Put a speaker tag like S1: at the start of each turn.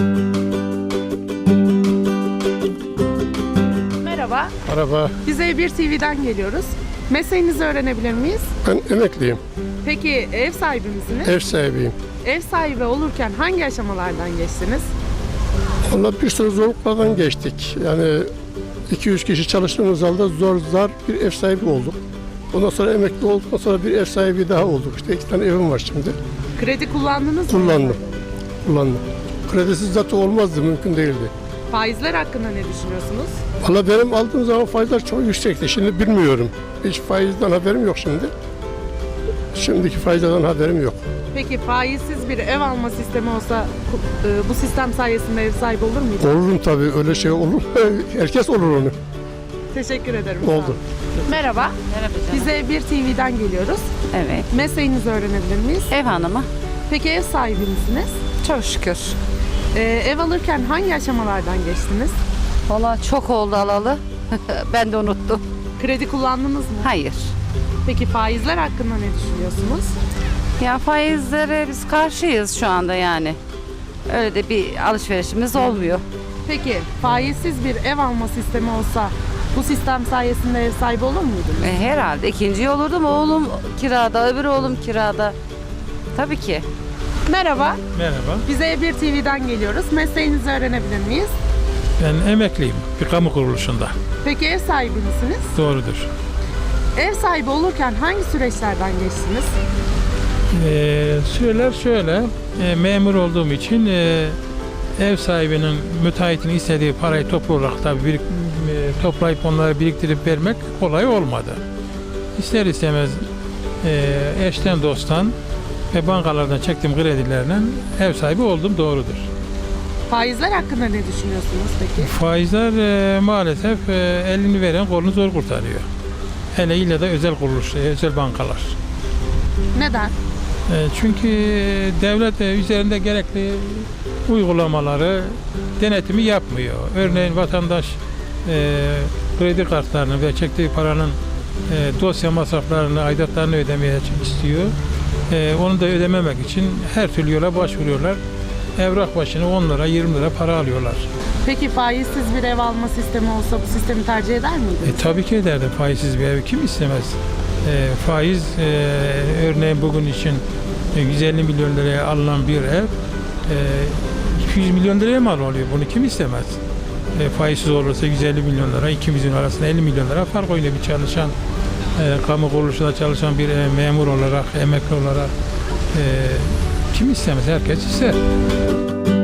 S1: Merhaba.
S2: Merhaba,
S1: Biz E1 TV'den geliyoruz. Mesleğinizi öğrenebilir miyiz?
S2: ben emekliyim,
S1: Peki ev sahibi misiniz?
S2: ev sahibiyim.
S1: Ev sahibi olurken hangi aşamalardan geçtiniz?
S2: Onunla bir sürü zorluklardan geçtik. Yani 2-3 kişi çalıştığımız halde zar bir ev sahibi olduk. Ondan sonra emekli olduktan sonra bir ev sahibi daha olduk. İşte 2 tane evim var şimdi.
S1: Kredi kullandınız mı?
S2: Kullandım. Kredisiz zaten olmazdı, mümkün değildi.
S1: Faizler hakkında ne düşünüyorsunuz?
S2: Valla benim aldığım zaman faizler çok yüksekti. Şimdi bilmiyorum. Hiç faizden haberim yok şimdi. Şimdiki faizlerden haberim yok.
S1: Peki faizsiz bir ev alma sistemi olsa bu sistem sayesinde ev sahibi olur muydu?
S2: Olurum tabii, öyle şey olur. Herkes olur onu.
S1: Teşekkür ederim. sağ
S2: Oldu.
S1: olun. Merhaba.
S3: Merhaba canım.
S1: Biz E1 TV'den geliyoruz.
S3: Evet.
S1: Mesleğinizi öğrenebilir miyiz?
S3: Ev hanımı.
S1: Peki ev sahibi misiniz?
S3: Çok şükür.
S1: Ev alırken hangi aşamalardan geçtiniz?
S3: Valla çok oldu alalı. Ben de unuttum.
S1: Kredi kullandınız mı?
S3: Hayır.
S1: Peki faizler hakkında ne düşünüyorsunuz?
S3: Ya faizlere biz karşıyız şu anda yani. Öyle de bir alışverişimiz olmuyor.
S1: Peki faizsiz bir ev alma sistemi olsa bu sistem sayesinde ev sahibi olur muydunuz?
S3: Herhalde ikinci olurdum. Oğlum kirada, öbür oğlum kirada. Tabii ki.
S1: Merhaba,
S4: Merhaba,
S1: biz E1 TV'den geliyoruz. Mesleğinizi öğrenebilir miyiz?
S4: ben emekliyim bir kamu kuruluşunda.
S1: Peki ev sahibi misiniz?
S4: Doğrudur.
S1: Ev sahibi olurken hangi süreçlerden geçtiniz?
S4: Süreler şöyle, memur olduğum için ev sahibinin, müteahhitin istediği parayı toplu olarak tabii toplayıp onları biriktirip vermek kolay olmadı. İster istemez eşten dosttan ve bankalardan çektiğim kredilerle ev sahibi oldum, doğrudur.
S1: Faizler hakkında ne düşünüyorsunuz peki?
S4: Faizler maalesef elini veren kolunu zor kurtarıyor. Hele ile de özel kuruluş, özel bankalar.
S1: Neden?
S4: Çünkü devlet üzerinde gerekli uygulamaları, denetimi yapmıyor. Örneğin vatandaş kredi kartlarını ve çektiği paranın dosya masraflarını, aidatlarını ödemeye istiyor. Onu da ödememek için her türlü yola başvuruyorlar. Evrak başına 10 lira, 20 lira para alıyorlar.
S1: Peki faizsiz bir ev alma sistemi olsa bu sistemi tercih eder miydiniz?
S4: Tabii ki ederdim, faizsiz bir ev kim istemez? Faiz, örneğin bugün için 150 milyon liraya alınan bir ev 200 milyon liraya mal oluyor. Bunu kim istemez? Faizsiz olursa 150 milyon lira, ikimizin arasında 50 milyon lira fark oynuyor. Bir çalışan, kamu kuruluşunda çalışan bir memur olarak, emekli olarak kim istemez? Herkes ister.